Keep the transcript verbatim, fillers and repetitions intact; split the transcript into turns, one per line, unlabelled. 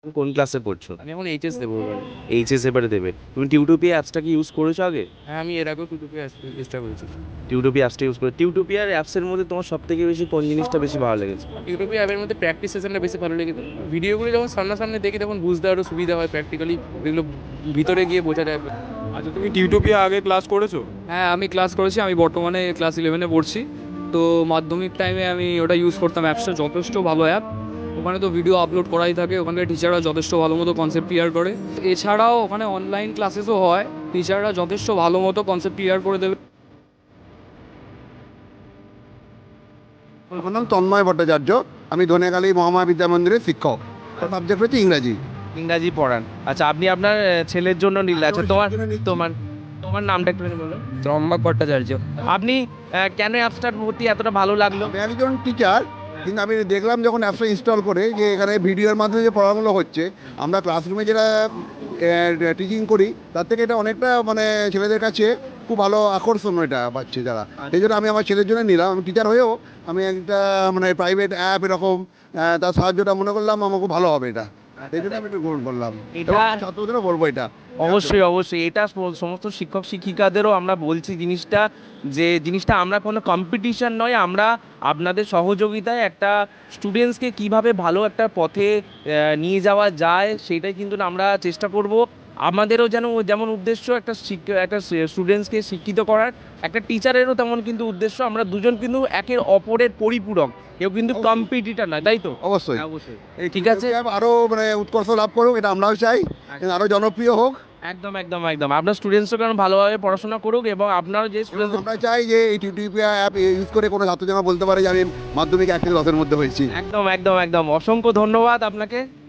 কোন ক্লাসে পড়ছো?
আমি এখন এইচএস দেবো এবারে।
এইচএস এবারে দেবে। তুমি টিউটোপিয়া অ্যাপসটা কি ইউজ করেছো আগে?
হ্যাঁ, আমি এর আগেও টিউটোপিয়া আসতে চেষ্টা করেছি।
টিউটোপিয়া অ্যাপসটা ইউজ করে টিউটোপিয়ার অ্যাপসের মধ্যে তোমার সবথেকে বেশি কোন জিনিসটা বেশি ভালো লেগেছে?
টিউটোপিয়া অ্যাপের মধ্যে প্র্যাকটিস সেশনটা বেশি ভালো লেগেছে। ভিডিওগুলো যখন সামনাসামনি দেখি তখন বুঝতে আরও সুবিধা হয়, প্র্যাকটিক্যালি এগুলো ভিতরে গিয়ে বোঝা যায়।
আচ্ছা, তুমি টিউটোপিয়া আগে ক্লাস করেছো?
হ্যাঁ, আমি ক্লাস করেছি। আমি বর্তমানে ক্লাস ইলেভেনে পড়ছি। তো মাধ্যমিক টাইমে আমি ওটা ইউজ করতাম। অ্যাপসটা যথেষ্ট ভালো অ্যাপ। ওখানে তো ভিডিও আপলোড করাই থাকে, ওখানকার টিচাররা যথেষ্ট ভালো মতো কনসেপ্ট ক্লিয়ার করে। এছাড়াও ওখানে অনলাইন ক্লাসেসও হয়, টিচাররা যথেষ্ট ভালো মতো কনসেপ্ট ক্লিয়ার করে দেবে।
আমার নাম তন্ময় ভট্টাচার্য। আমি ধনেখালি মহামায়া বিদ্যা মন্দিরের শিক্ষক। সাবজেক্ট হচ্ছে ইংরাজি।
ইংরাজি পড়ান। আচ্ছা, আপনি আপনার আহ, ছেলের জন্য নিলেন। আচ্ছা, তোমার তোমার তোমার নামটা একটু বলুন।
ত্রম্বক ভট্টাচার্য।
আপনি আহ, কেন অ্যাপসটার প্রতি এতটা ভালো লাগলো?
আমি একজন টিচার, কিন্তু আমি দেখলাম যখন অ্যাপসটা ইনস্টল করে যে এখানে ভিডিওর মাধ্যমে যে পড়াগুলো হচ্ছে, আমরা ক্লাসরুমে যেটা টিচিং করি তার থেকে এটা অনেকটা মানে ছেলেদের কাছে খুব ভালো আকর্ষণ এটা পাচ্ছে যারা। সেই জন্য আমি আমার ছেলের জন্য নিলাম। আমি টিচার হয়েও আমি একটা মানে প্রাইভেট অ্যাপ এরকম আহ, তার সাহায্যটা মনে করলাম আমার খুব ভালো হবে এটা। সেই জন্য আমি একটু গ্রহণ করলাম।
এটা
এবং ছাত্রদেরও বলবো এটা।
অবশ্যই অবশ্যই এটা সম- সমস্ত শিক্ষক শিক্ষিকাদেরও আমরা বলছি জিনিসটা, যে জিনিসটা আমরা কোনো কম্পিটিশন নয়, আমরা আপনাদের সহযোগিতায় একটা স্টুডেন্টসকে কিভাবে ভালো একটা পথে আহ, নিয়ে যাওয়া যায় সেটাই কিন্তু আমরা চেষ্টা করব। আমাদেরও যেন যেমন উদ্দেশ্য একটা শিক্ষা একটা স্টুডেন্টসকে শিক্ষিত করার, একটা টিচারেরও তেমন কিন্তু উদ্দেশ্য। আমরা দুজন কিন্তু একের অপরের পরিপূরক, কেউ কিন্তু
অবশ্যই।
কম্পিটিটার নয়, তাই তো?
অবশ্যই
অবশ্যই।
এই
ঠিক আছে।
অ্যাপ আরও মানে উৎকর্ষ লাভ করুক, এটা আমরাও চাই, আরও জনপ্রিয় হোক।
একদম একদম একদম আপনার স্টুডেন্টসও কেন ভালোভাবে পড়াশোনা করুক, এবং আপনার যে
এবং
স্টুডেন্টস
আমরা চাই যে এই টিউটোপিয়া অ্যাপ ইউজ করে কোনো ছাত্র যেন বলতে পারে যে আমি মাধ্যমিক এক থেকে দশের মধ্যে হয়েছি।
একদম একদম একদম অসংখ্য ধন্যবাদ আপনাকে।